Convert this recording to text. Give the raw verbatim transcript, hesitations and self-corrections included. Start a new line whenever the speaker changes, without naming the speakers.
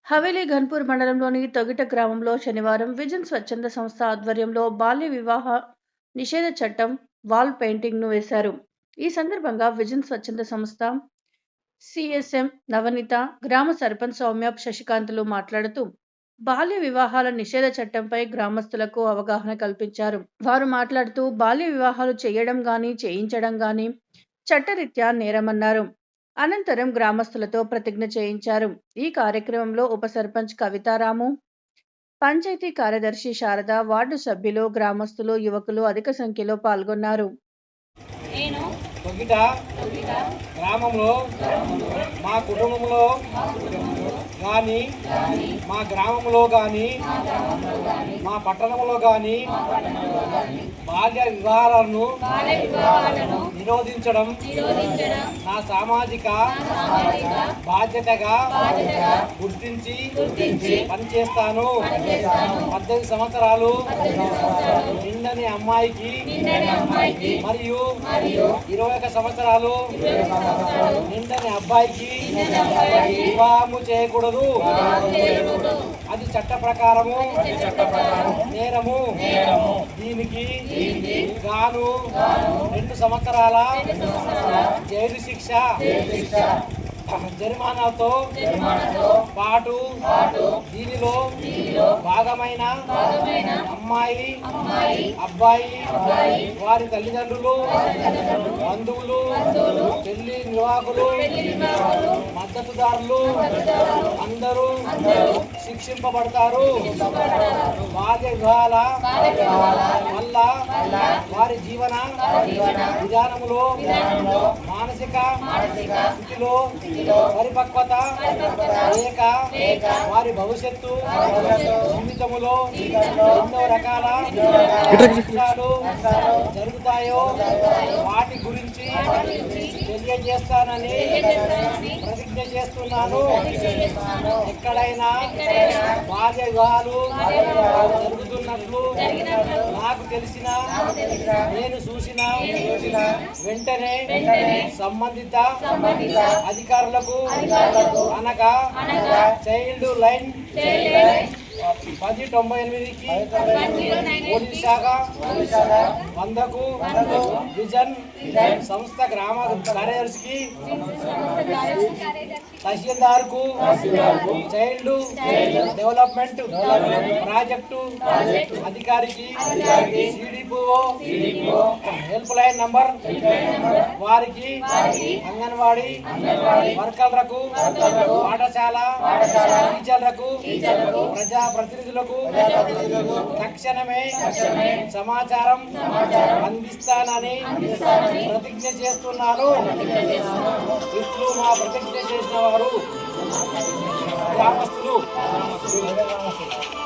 హవేలీ ఘన్పూర్ మండలంలోని తొగిట గ్రామంలో శనివారం విజన్ స్వచ్ఛంద సంస్థ ఆధ్వర్యంలో బాల్య వివాహ నిషేధ చట్టం వాల్ పెయింటింగ్ ను వేశారు. ఈ సందర్భంగా విజన్ స్వచ్ఛంద సంస్థ సిఎస్ఎం నవనీత, గ్రామ సర్పంచ్ సౌమ్య శశికాంతులు మాట్లాడుతూ బాల్య వివాహాల నిషేధ చట్టంపై గ్రామస్తులకు అవగాహన కల్పించారు. వారు మాట్లాడుతూ బాల్య వివాహాలు చేయడం గాని చేయించడం గాని చట్టరీత్యా నేరమన్నారు. అనంతరం గ్రామస్తులతో ప్రతిజ్ఞ చేయించారు. ఈ కార్యక్రమంలో ఉప సర్పంచ్ కవితారాము, పంచాయతీ కార్యదర్శి శారద, వార్డు సభ్యులు, గ్రామస్తులు, యువకులు అధిక సంఖ్యలో పాల్గొన్నారు.
గ్రామంలో మా కుటుంబంలో కానీ మా గ్రామంలో కానీ మా పట్టణంలో కానీ బాల్య వివాహాలను నిరోధించడం నా సామాజిక బాధ్యతగా గుర్తించి పనిచేస్తాను. పద్దెనిమిది సంవత్సరాలు నిండని అమ్మాయికి మరియు ఇరవై ఒక సంవత్సరాలు నిండని అబ్బాయికి వివాహము చేయకూడదు. అది చట్ట ప్రకారము నేరము. దీనికి గాను రెండు సంవత్సరాల జైలు శిక్ష, జరిమానాతో పాటు దీనిలో భాగమైన అమ్మాయి అబ్బాయి వారి తల్లిదండ్రులు, బంధువులు, పెళ్లి నిర్వాహకులు, మద్దతుదారులు అందరూ శిక్షింపబడతారు. బాల్య వివాహాల వల్ల వారి జీవన విధానములో మానసిక స్థితిలో పరిపక్వత లేక వారి భవిష్యత్తు జీవితములో ఎన్నో రకాల కష్టాలు జరుగుతాయో వాటి గురించి తెలియజేస్తానని ప్రతిజ్ఞ చేస్తున్నాను. ఎక్కడైనా బాల్య వివాహాలు జరుగుతున్నట్లు నాకు తెలిసిన నేను చూసిన వెంటనే సంబంధిత అధికారులకు అనగా చైల్డ్ లైన్ పది తొంభై ఎనిమిదికి పోలీస్ శాఖ వందకు విజన్ సంస్థ గ్రామ కార్యదర్శికి తహసీల్దార్ కు చైల్డ్ డెవలప్మెంట్ ప్రాజెక్టు అధికారికి సిడిపిఓ హెల్ప్ లైన్ నంబర్ వారికి అంగన్వాడీ వర్కర్లకు పాఠశాల టీచర్లకు ప్రజా ప్రతినిధులకు తక్షణమే సమాచారం అందిస్తానని ప్రతిజ్ఞ చేస్తున్నాను. ఇట్లు మా ప్రతిజ్ఞ చేసిన వారు గ్రామస్తులు.